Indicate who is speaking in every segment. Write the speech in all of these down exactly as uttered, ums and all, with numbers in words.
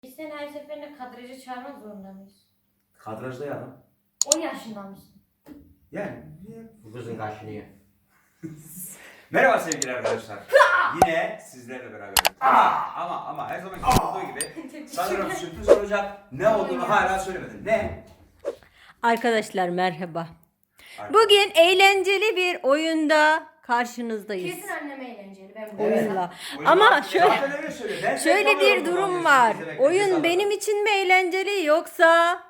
Speaker 1: Biz seni her seferinde kadraja çağırmak zorunda mıyız?
Speaker 2: Kadrajda ya.
Speaker 1: on yaşında mısın?
Speaker 2: Yani.
Speaker 3: Bu kızın kaşınıyor.
Speaker 2: Merhaba sevgili arkadaşlar. Yine sizlerle beraber. Ama ama ama her zaman olduğu gibi sanırım sürpriz olacak. Ne olduğunu hala söylemedim. Ne?
Speaker 4: Arkadaşlar merhaba.
Speaker 2: Arkadaşlar.
Speaker 4: Bugün eğlenceli bir oyunda karşınızdayız.
Speaker 1: Kesin anneme eğlenceli. Ben bu
Speaker 4: Oyunla.
Speaker 2: Oyun
Speaker 4: Ama
Speaker 2: var.
Speaker 4: şöyle
Speaker 2: Zaten öyle söylüyor. Ben
Speaker 4: şöyle
Speaker 2: zevk
Speaker 4: bir
Speaker 2: alıyorum
Speaker 4: durum
Speaker 2: bundan
Speaker 4: var.
Speaker 2: izlemekten.
Speaker 4: Oyun
Speaker 2: Ceza
Speaker 4: benim için mi eğlenceli yoksa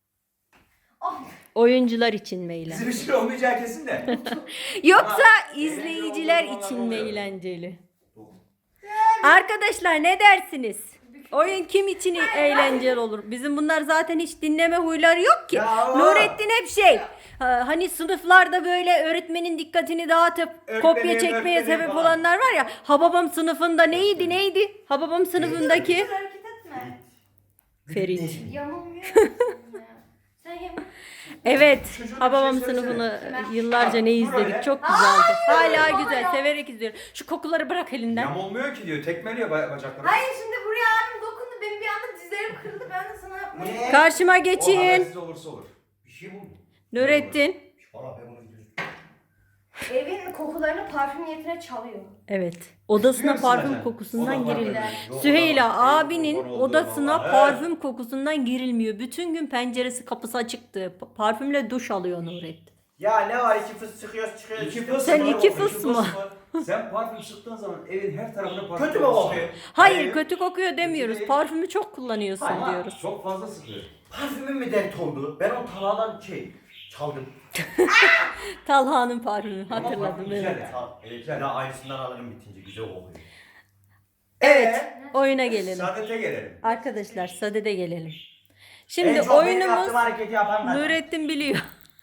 Speaker 1: Ah,
Speaker 4: oyuncular için mi
Speaker 2: Bizim
Speaker 4: eğlenceli?
Speaker 2: için olmayacağı kesin de.
Speaker 4: Yoksa
Speaker 2: Ama
Speaker 4: izleyiciler
Speaker 2: eğlenceli
Speaker 4: için mi
Speaker 2: oluyor.
Speaker 4: eğlenceli? Arkadaşlar ne dersiniz? Oyun kim için eğlenceli olur? Bizim bunlar zaten hiç dinleme huyları yok ki.
Speaker 2: Ya.
Speaker 4: Nurettin hep şey. ha, Hani sınıflarda böyle öğretmenin dikkatini dağıtıp
Speaker 2: Öğretmenim,
Speaker 4: kopya çekmeye
Speaker 2: öğretmenim
Speaker 4: sebep
Speaker 2: falan.
Speaker 4: olanlar var ya. Hababam sınıfında neydi neydi? Hababam sınıfındaki
Speaker 1: Güzel hareket etme.
Speaker 4: Ferit.
Speaker 1: Yamulmuyor musun ya? Sen yamul.
Speaker 4: Evet.
Speaker 2: Çocuğun bir
Speaker 4: Hababam
Speaker 2: şey söylesene.
Speaker 4: sınıfını yıllarca ne
Speaker 2: Dur
Speaker 4: izledik.
Speaker 2: öyle.
Speaker 4: Çok güzeldi. Hala
Speaker 1: baba
Speaker 4: güzel.
Speaker 1: ya.
Speaker 4: Severek izliyorum. Şu kokuları bırak elinden.
Speaker 2: Yam olmuyor ki diyor. Tekmeliyor ba- bacakları.
Speaker 1: Hayır şimdi buraya abim dokundu. Benim bir anda dizlerim kırıldı. Ben de sana yapmayı.
Speaker 3: Ne?
Speaker 4: Karşıma
Speaker 2: O
Speaker 4: geçin.
Speaker 2: habersiz olursa olur.
Speaker 3: Bir şey buldum.
Speaker 4: Nurettin.
Speaker 3: Valla ben bunu gidiyorum.
Speaker 1: Evin kokularını parfüm niyetine çalıyor.
Speaker 4: Evet. Odasına
Speaker 2: Biliyor musun
Speaker 4: parfüm
Speaker 2: zaten?
Speaker 4: kokusundan
Speaker 2: O da var
Speaker 4: girilmiyor.
Speaker 2: böyle. Yok,
Speaker 4: Süheyla
Speaker 2: o da var.
Speaker 4: abinin
Speaker 2: Yok, olduğu
Speaker 4: odasına
Speaker 2: var.
Speaker 4: parfüm kokusundan girilmiyor. Bütün gün penceresi kapısı açıktı. Pa- Parfümle duş alıyor Nurettin.
Speaker 3: Ya ne var iki fıs çıkıyoruz çıkıyoruz.
Speaker 2: İki
Speaker 3: işte.
Speaker 2: fıs
Speaker 4: Sen
Speaker 2: mı?
Speaker 4: iki fıs mı?
Speaker 2: Sen parfüm sıktığın zaman evin her tarafına parfüm
Speaker 3: Kötü mü
Speaker 2: kokusu
Speaker 3: kokuyor?
Speaker 2: var.
Speaker 4: Hayır, kötü kokuyor demiyoruz.
Speaker 2: değil.
Speaker 4: Parfümü çok kullanıyorsun
Speaker 2: Ama
Speaker 4: diyoruz.
Speaker 2: çok fazla sıkıyor.
Speaker 3: Parfümüm mü dert oldu? Ben o taladan şey çaldım.
Speaker 4: Talha'nın parfümü
Speaker 2: Ama
Speaker 4: hatırladım.
Speaker 2: parfüm
Speaker 4: Evet.
Speaker 2: güzel ya.
Speaker 3: Ta- evet, ben de aynısından alırım bitince güzel kokuyor.
Speaker 4: Evet,
Speaker 2: Ee,
Speaker 4: oyuna gelelim.
Speaker 2: Saadete gelelim.
Speaker 4: Arkadaşlar sadede gelelim. Şimdi
Speaker 3: En çok benim
Speaker 4: oyunumuz
Speaker 3: yaptığım hareketi yapan ben.
Speaker 4: Nurettin biliyor.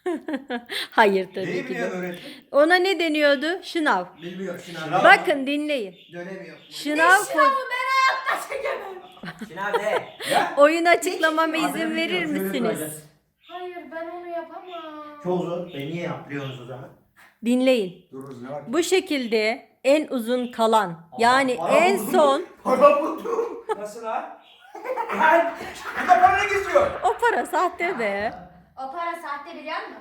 Speaker 4: Hayır tabii
Speaker 2: Neyi
Speaker 4: ki
Speaker 2: biliyor
Speaker 4: de.
Speaker 2: öğretmen?
Speaker 4: Ona ne deniyordu? Şınav.
Speaker 3: Bilmiyorum Şınav.
Speaker 2: Şınav.
Speaker 4: Bakın dinleyin.
Speaker 3: Dönemiyor.
Speaker 4: Şınav
Speaker 1: Sınavı ben hayatta çekemem.
Speaker 3: Şınav ne?
Speaker 2: Ya?
Speaker 4: oyun açıklamama izin
Speaker 3: Adını
Speaker 4: verir
Speaker 3: bilmiyorum, şöyle
Speaker 4: misiniz?
Speaker 3: duracağız.
Speaker 1: Hayır ben onu yapamam.
Speaker 3: Çok zor. Ben niye yapıyorsunuz o zaman?
Speaker 4: Dinleyin.
Speaker 2: Dururuz ne var?
Speaker 4: Bu şekilde en uzun kalan yani
Speaker 3: Para
Speaker 4: en
Speaker 3: buldum.
Speaker 4: son
Speaker 3: Para buldum.
Speaker 2: Nasıl lan? Lan! Burada para ne geziyor?
Speaker 4: o para sahte be.
Speaker 1: O para sahte biliyor musun?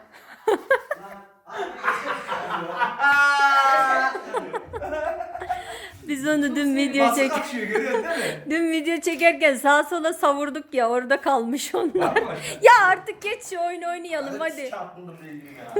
Speaker 4: Biz onu dün video
Speaker 2: Basın
Speaker 4: çek
Speaker 2: akışıyor görüyorsun değil mi?
Speaker 4: dün video çekerken sağa sola savurduk ya orada kalmış onlar.
Speaker 2: Var mı?
Speaker 4: Ya artık geç şu oyunu oynayalım hadi.
Speaker 3: Çarpıldım dedim ya.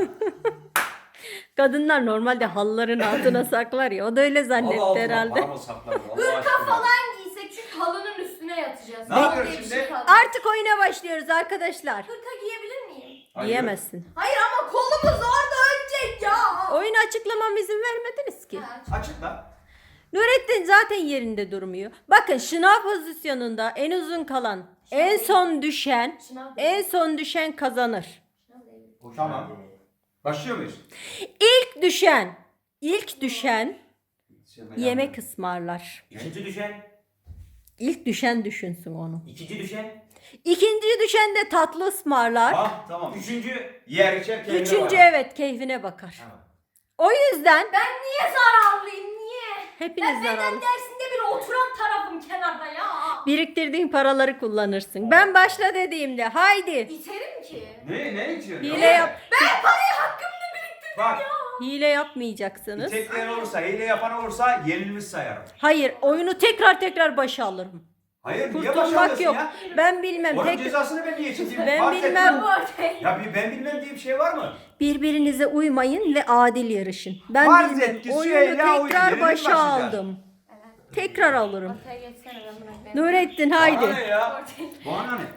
Speaker 4: Kadınlar normalde halıların altına saklar ya. O da öyle zannetti herhalde.
Speaker 2: Paramı sakladı. Allah
Speaker 1: Hırka
Speaker 2: aşkına.
Speaker 1: falan giysek çünkü halının üstüne yatacağız.
Speaker 2: Ne
Speaker 1: Hal
Speaker 2: yapıyoruz
Speaker 1: diye bir
Speaker 2: şimdi?
Speaker 1: şey kaldı.
Speaker 4: Artık oyuna başlıyoruz arkadaşlar.
Speaker 1: Hırka giyebilir miyim?
Speaker 2: Hayır.
Speaker 4: Diyemezsin.
Speaker 1: Hayır ama kolumuz orada önce ya.
Speaker 4: Oyunu açıklamam izin vermediniz ki.
Speaker 1: Ha,
Speaker 2: Açıkla.
Speaker 4: Nurettin zaten yerinde durmuyor. Bakın şınav pozisyonunda en uzun kalan, en son düşen,
Speaker 1: Şınav değil.
Speaker 4: en son düşen kazanır.
Speaker 1: Şınav değil.
Speaker 2: Tamam. Başlıyor muyuz?
Speaker 4: İlk düşen, ilk düşen yemek ısmarlar.
Speaker 3: İkinci düşen.
Speaker 4: İlk düşen düşünsün onu.
Speaker 3: İkinci düşen.
Speaker 4: İkinci düşen de tatlı ısmarlar.
Speaker 2: Ah tamam.
Speaker 3: Üçüncü.
Speaker 2: Yer içer keyfine
Speaker 4: Üçüncü
Speaker 2: var.
Speaker 4: evet keyfine bakar.
Speaker 3: Tamam.
Speaker 4: O yüzden
Speaker 1: Ben niye zararlıyım niye?
Speaker 4: hepiniz
Speaker 1: Ben beden
Speaker 4: zararlı.
Speaker 1: dersinde bile oturan tarafım kenarda ya.
Speaker 4: Biriktirdiğin paraları kullanırsın. Ben başla dediğimde haydi
Speaker 1: İterim ki.
Speaker 2: Ne ne içiyorsun?
Speaker 4: hile yap.
Speaker 1: Ben parayı hakkımda biriktirdim
Speaker 2: Bak.
Speaker 1: ya.
Speaker 4: Hile yapmayacaksınız.
Speaker 2: İtekleyen olursa, hile yapan olursa yenilmiş sayarım.
Speaker 4: Hayır, oyunu tekrar tekrar başa alırım.
Speaker 2: Hayır niye
Speaker 4: Kurtulmak
Speaker 2: başarıyorsun
Speaker 4: yok.
Speaker 2: ya?
Speaker 4: Ben bilmem.
Speaker 2: Onun
Speaker 4: Tek
Speaker 2: cezasını ben niye çekeyim?
Speaker 4: Ben
Speaker 2: Fark
Speaker 4: bilmem.
Speaker 2: etmem.
Speaker 1: Ortaya.
Speaker 2: Ya bir ben bilmem diye bir şey var mı?
Speaker 4: birbirinize uymayın ve adil yarışın. Ben
Speaker 2: Farz
Speaker 4: bilmem.
Speaker 2: et ki
Speaker 4: Oyunu
Speaker 2: Süheyla oyun.
Speaker 4: tekrar
Speaker 2: Yeniden
Speaker 4: başa
Speaker 2: başlayacağız.
Speaker 4: aldım. Tekrar alırım.
Speaker 1: Ortaya geçsene ben bırak.
Speaker 4: Nurettin
Speaker 2: Bana ne
Speaker 4: haydi.
Speaker 2: ya?
Speaker 1: Ortaya.
Speaker 2: Bana ne?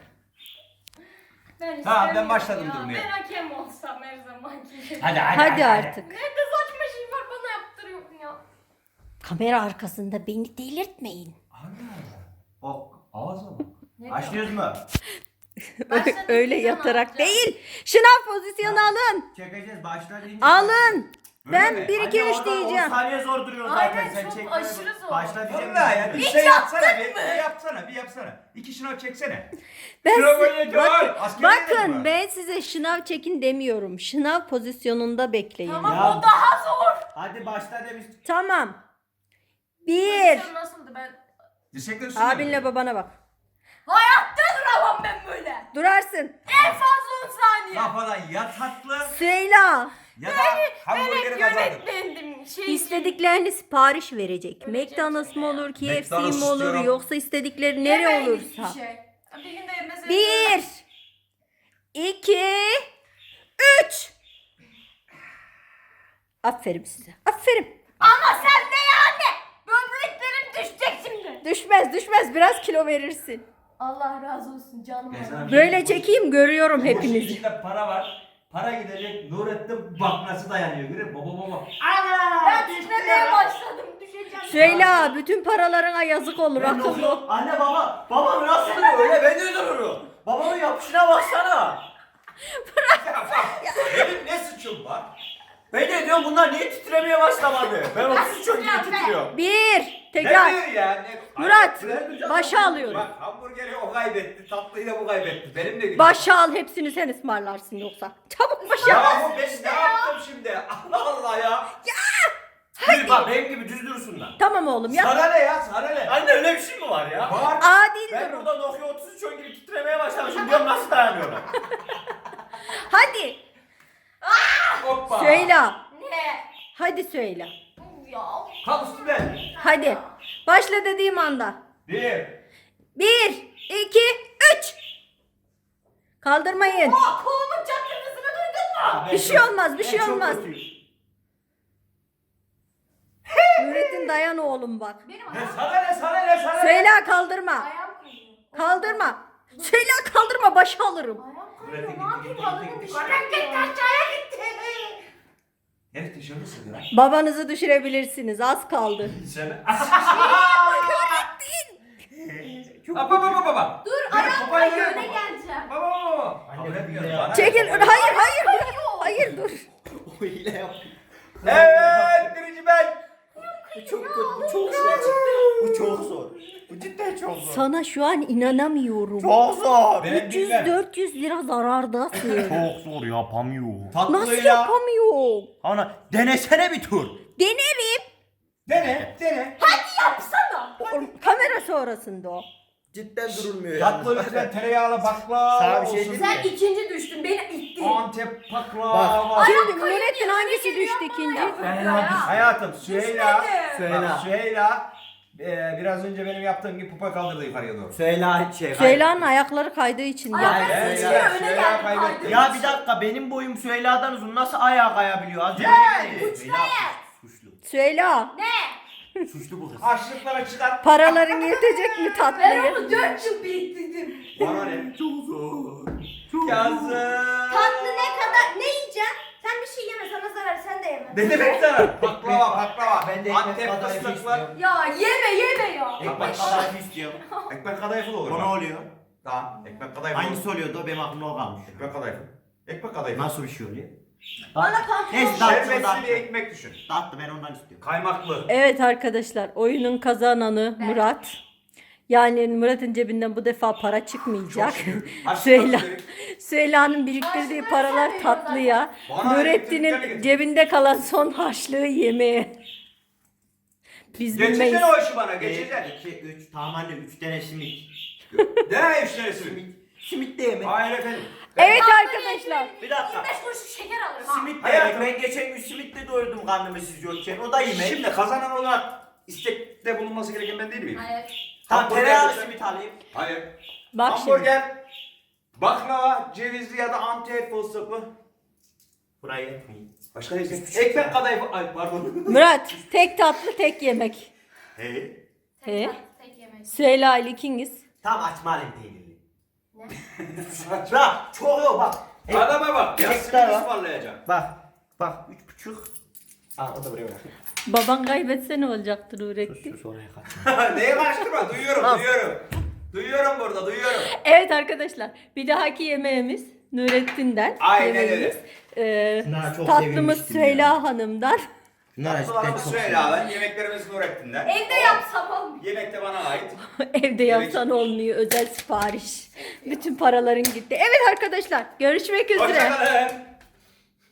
Speaker 1: Ben
Speaker 2: Tamam, ben
Speaker 1: istemiyorum
Speaker 2: başladım
Speaker 1: ya.
Speaker 2: durmaya.
Speaker 1: Ben hakem olsam her zamanki gibi.
Speaker 3: Hadi hadi.
Speaker 4: Hadi artık.
Speaker 1: Ne de saçma şey var bana yaptırıyorsun ya.
Speaker 4: Kamera arkasında beni delirtmeyin.
Speaker 2: O ağzı mı?
Speaker 1: Ne
Speaker 3: Başlıyoruz mu?
Speaker 1: Başladık,
Speaker 4: Öyle
Speaker 1: biz onu
Speaker 4: yatarak
Speaker 1: yapacağız.
Speaker 4: değil. Şınav pozisyonu alın.
Speaker 3: Çekeceğiz başla deyince.
Speaker 4: Alın.
Speaker 2: Öyle
Speaker 4: Ben
Speaker 2: mi?
Speaker 4: bir iki
Speaker 3: Anne,
Speaker 4: üç
Speaker 3: orada on
Speaker 4: diyeceğim.
Speaker 3: saniye zor duruyor
Speaker 1: Aynen,
Speaker 3: zaten. Sen
Speaker 1: çok
Speaker 3: çekme.
Speaker 1: aşırı zor.
Speaker 3: Başla diyeceğim.
Speaker 2: Vallahi ya bir
Speaker 1: Hiç
Speaker 2: şey yapsana
Speaker 1: yaptın
Speaker 2: bir,
Speaker 1: mı?
Speaker 2: bir yapsana bir yapsana. İki şınav çeksene.
Speaker 4: Ben
Speaker 2: Şınav
Speaker 4: size-
Speaker 2: oynayacağım.
Speaker 4: bakın,
Speaker 2: Askere gidelim
Speaker 4: bakın
Speaker 2: mi?
Speaker 4: ben size şınav çekin demiyorum. Şınav pozisyonunda bekleyin.
Speaker 1: Tamam
Speaker 3: Ya.
Speaker 1: o daha zor.
Speaker 3: Hadi başla demiş.
Speaker 4: Tamam. Bir.
Speaker 1: Pozisyon nasıldı ben?
Speaker 2: Dirsekler üstünde
Speaker 4: Abinle
Speaker 2: mi?
Speaker 4: babana bak. Durarsın.
Speaker 1: En fazla on saniye.
Speaker 2: Kafadan ya tatlı
Speaker 4: Süheyla.
Speaker 2: ya da hamburgeri
Speaker 1: Evet
Speaker 2: kazandın.
Speaker 1: yönetmendim. Şey,
Speaker 4: İstediklerini sipariş verecek.
Speaker 1: Verecek
Speaker 4: McDonald's mı olur, K F C
Speaker 2: McDonald's
Speaker 4: mi olur
Speaker 2: istiyorum.
Speaker 4: yoksa istedikleri nere
Speaker 1: yemeyin
Speaker 4: olursa.
Speaker 1: hiçbir şey. Bir gün de yemez.
Speaker 4: Bir, iki, üç. Aferin size. Aferin.
Speaker 1: Ama sen de yani. Böbreklerim düşecek şimdi.
Speaker 4: Düşmez düşmez biraz kilo verirsin.
Speaker 1: Allah razı olsun canım.
Speaker 2: Ben sana-
Speaker 4: Böyle çekeyim görüyorum
Speaker 2: Bu işin
Speaker 4: hepinizi.
Speaker 2: içinde para var. Para gidecek. Nurettin bakması dayanıyor. Görüyor musun? Baba baba.
Speaker 1: Ben titremeye başladım. Düşeceğim.
Speaker 4: Süheyla bütün paralarına yazık olur
Speaker 3: Ben
Speaker 4: akıllı ol.
Speaker 3: okuyorum. Anne baba. Babam nasıl duruyor öyle ben de dururum. Babamın yapışına baksana.
Speaker 2: Benim ne suçum var?
Speaker 3: Ben de diyorum bunlar niye titremeye başlamadı? Ben otuz üç çok gibi titriyorum.
Speaker 4: Bir,
Speaker 2: Ne
Speaker 4: tekrar.
Speaker 2: diyor ya? Ne?
Speaker 4: Murat,
Speaker 2: Hayır,
Speaker 4: başa alıyorum.
Speaker 2: Bak hamburgeri o kaybetti. Tatlıyı da bu kaybetti. Benim de günüm.
Speaker 4: Başa al hepsini sen ısmarlarsın yoksa. Çabuk başa.
Speaker 2: Ya bu ben ne yaptım şimdi? Allah Allah ya.
Speaker 3: Düz bak benim gibi düz dursunlar.
Speaker 4: Tamam oğlum ya.
Speaker 2: Sana ne ya? Sana ne?
Speaker 3: Anne öyle bir şey mi var ya?
Speaker 2: Var.
Speaker 4: Adil
Speaker 3: Ben
Speaker 4: durun.
Speaker 3: burada Nokia otuz üç on gibi titremeye başlamışım diyorum nasıl dayanıyorlar?
Speaker 4: Hadi.
Speaker 2: Hoppa.
Speaker 4: Süheyla.
Speaker 1: Ne?
Speaker 4: Hadi Süheyla.
Speaker 1: Ya.
Speaker 2: Kalk üstüne.
Speaker 4: Hadi. Başla dediğim anda.
Speaker 2: Bir.
Speaker 4: Bir, iki, üç. Kaldırmayın.
Speaker 1: Aa, kolumun çatırmasını duydun mu?
Speaker 4: Bir şey olmaz, bir şey
Speaker 3: Ben çok
Speaker 4: olmaz.
Speaker 3: kötüyüm.
Speaker 4: Nurettin dayan oğlum bak.
Speaker 1: Benim
Speaker 2: Ne
Speaker 1: ayağım,
Speaker 2: sana ne sana ne sana ne?
Speaker 4: Süheyla kaldırma.
Speaker 1: ayağım kayıyor.
Speaker 4: Kaldırma. Süheyla kaldırma başa alırım.
Speaker 1: Ayağım
Speaker 2: Gitti,
Speaker 1: kayıyor.
Speaker 2: gitti,
Speaker 1: Ne yapayım?
Speaker 2: gitti,
Speaker 1: Balımın
Speaker 2: gitti, gitti.
Speaker 1: dışarı gitti. Aşağıya gitti.
Speaker 2: Herif dışarı sıkıyor lan.
Speaker 4: Babanızı düşürebilirsiniz. Az kaldı.
Speaker 2: Sen. Baba baba baba.
Speaker 1: Dur
Speaker 2: Yürü,
Speaker 1: ayağım
Speaker 2: babaya
Speaker 1: kayıyor.
Speaker 2: yürü,
Speaker 1: Ne
Speaker 2: baba.
Speaker 1: geleceğim?
Speaker 2: Baba baba.
Speaker 3: Anne,
Speaker 2: Kabul
Speaker 3: bir
Speaker 2: etmiyorum,
Speaker 3: de
Speaker 2: bana ne?
Speaker 4: Çekil.
Speaker 2: Kabul
Speaker 4: Hayır,
Speaker 2: etmiyorum.
Speaker 4: hayır, hayır. Hayır dur.
Speaker 3: O hile yapıyor.
Speaker 2: Evet birinci ben.
Speaker 3: Bu çok kötü, bu çok zor. Bu çok zor. Bu cidden çok zor.
Speaker 4: Sana şu an inanamıyorum.
Speaker 3: Çok zor.
Speaker 2: Ben
Speaker 4: üç yüz
Speaker 2: bilmem.
Speaker 4: dört yüz lira zarardasın.
Speaker 3: Çok zor yapamıyor.
Speaker 4: Nasıl
Speaker 2: Tatlıyla.
Speaker 4: yapamıyorum?
Speaker 3: Ana denesene bir tur.
Speaker 4: Denerim.
Speaker 2: Dene dene.
Speaker 1: Yapsana.
Speaker 4: Oğlum, kamera sonrasında o.
Speaker 3: Cidden durulmuyor
Speaker 2: Tatlı lütfen tereyağlı baklava
Speaker 3: Sana bir şey
Speaker 2: olsun.
Speaker 3: diyeyim mi?
Speaker 1: Sen ikinci düştün. Beni ittin.
Speaker 2: Antep baklava.
Speaker 4: Şimdi Nurettin hangisi düştü ikinci?
Speaker 2: Hayatım Süheyla.
Speaker 3: Süheyla.
Speaker 2: Bak, Süheyla. e, biraz önce benim yaptığım gibi pupa kaldırdı yukarıya doğru.
Speaker 3: Söyle şey.
Speaker 4: Süheyla'nın ayakları kaydığı için
Speaker 1: Ay,
Speaker 4: ya.
Speaker 1: ben
Speaker 2: Evet,
Speaker 1: sıçraya
Speaker 2: evet,
Speaker 1: öne
Speaker 2: Süheyla
Speaker 1: geldim.
Speaker 2: kaybetti.
Speaker 1: Ay,
Speaker 3: Ya bir dakika benim boyum Süheyla'dan uzun nasıl ayağa kayabiliyor? Az önce
Speaker 2: Hey!
Speaker 3: Süheyla suçlu.
Speaker 4: Süheyla,
Speaker 1: Ne?
Speaker 3: Suçlu bu kız.
Speaker 2: Harçlıklara çıkar.
Speaker 4: paraların yetecek mi
Speaker 1: Ben
Speaker 4: tatlıyı?
Speaker 1: onu dört yıl biriktirdim.
Speaker 2: Bana ne?
Speaker 3: Çok zor.
Speaker 2: Yazık.
Speaker 1: Tatlı ne kadar? Ne yiyeceksin? Sen bir şey yeme. Sana zarar. Sen de yeme.
Speaker 2: Ne demek sana? Baklava baklava.
Speaker 3: Ben de ekmek
Speaker 2: Antep
Speaker 3: kadayıfı
Speaker 2: fıstıklar.
Speaker 3: istiyorum.
Speaker 1: Ya yeme yeme ya.
Speaker 3: Ekmek kadayıfı istiyorum.
Speaker 2: Ekmek kadayıfı da olur.
Speaker 3: O ne
Speaker 2: bak.
Speaker 3: oluyor?
Speaker 2: Tamam. Ekmek kadayıfı olur.
Speaker 3: Hangisi oluyordu? Benim aklımda o kalmış.
Speaker 2: Ekmek kadayıfı. Ekmek kadayıfı.
Speaker 3: Nasıl bir şey oluyor?
Speaker 1: Bana pantolon.
Speaker 3: Neyse tatlı
Speaker 2: Şerbetli bir
Speaker 3: tatlı.
Speaker 2: ekmek düşün.
Speaker 3: Tatlı ben ondan istiyorum.
Speaker 2: Kaymaklı.
Speaker 4: Evet arkadaşlar, oyunun kazananı
Speaker 1: Ben.
Speaker 4: Murat. Yani Murat'ın cebinden bu defa para çıkmayacak.
Speaker 2: Harçlıklar
Speaker 4: Süheyla,
Speaker 2: dedik.
Speaker 4: Süheyla'nın biriktirdiği
Speaker 1: Harçlıklar
Speaker 4: paralar
Speaker 1: sen
Speaker 4: tatlıya,
Speaker 2: Bana
Speaker 4: Nurettin'in
Speaker 2: elektrikler
Speaker 4: cebinde kalan son harçlığı yemeğe. Biz bilmeyiz.
Speaker 2: Geçeceksin o işi bana geçeceksin.
Speaker 3: iki, üç, tamam anne üç tane simit.
Speaker 2: Ne işlerisi?
Speaker 3: Simit. Simit de yemek.
Speaker 2: Hayır efendim.
Speaker 4: Evet arkadaşlar.
Speaker 3: Bir dakika.
Speaker 1: yirmi beş kuruş şeker alırım ha.
Speaker 3: Simit de
Speaker 2: Hayatım.
Speaker 3: yemek. Ben geçen gün simitle doyurdum karnımı siz yokken. O da yemek.
Speaker 2: Şimdi kazanan olarak istekte bulunması gereken ben değil miyim?
Speaker 1: Hayır.
Speaker 3: Tamam
Speaker 2: Hamburger
Speaker 3: tereyağlı
Speaker 2: lütfen.
Speaker 3: simit alayım.
Speaker 2: Hayır.
Speaker 4: Bak şimdi.
Speaker 2: Hamburger, baklava, cevizli ya da Antep fıstıklı.
Speaker 3: Buraya etmeyin.
Speaker 2: Başka ne istiyorsun? Ekmek kadayıfı. Ay pardon.
Speaker 4: Murat, tek tatlı tek yemek.
Speaker 3: He.
Speaker 1: Tek
Speaker 4: He?
Speaker 1: tatlı, tek yemek.
Speaker 4: Süheyla ile ikiniz.
Speaker 3: Tam açma alayım peynirli.
Speaker 1: Ne?
Speaker 3: Bak çok yok bak.
Speaker 2: Adama bak. Ya
Speaker 3: Ekmek
Speaker 2: simit
Speaker 3: daha var.
Speaker 2: ısmarlayacağım.
Speaker 3: Bak. Bak üç buçuk. Aa o da buraya bırak.
Speaker 4: Baban kaybetse ne olacaktı Nurettin?
Speaker 3: Şu oraya kaç.
Speaker 2: Neye karıştırma? Duyuyorum,
Speaker 3: Al.
Speaker 2: duyuyorum. Duyuyorum burada, duyuyorum.
Speaker 4: Evet arkadaşlar, bir dahaki yemeğimiz Nurettin'den.
Speaker 2: Aynen öyle.
Speaker 4: yemeğimiz. Ee,
Speaker 3: Bunlar çok
Speaker 4: tatlımız
Speaker 3: sevinmiştim
Speaker 4: Süheyla
Speaker 3: ya.
Speaker 4: Hanım'dan.
Speaker 3: Bunlar
Speaker 2: Tatlılarımız Süheyla'dan, yemeklerimiz Nurettin'den.
Speaker 1: Evde yapsam olmuyor.
Speaker 2: Yemek de bana ait.
Speaker 4: Evde yapsan olmuyor, özel sipariş. Bütün paraların gitti. Evet arkadaşlar, görüşmek üzere.
Speaker 2: Hoşçakalın.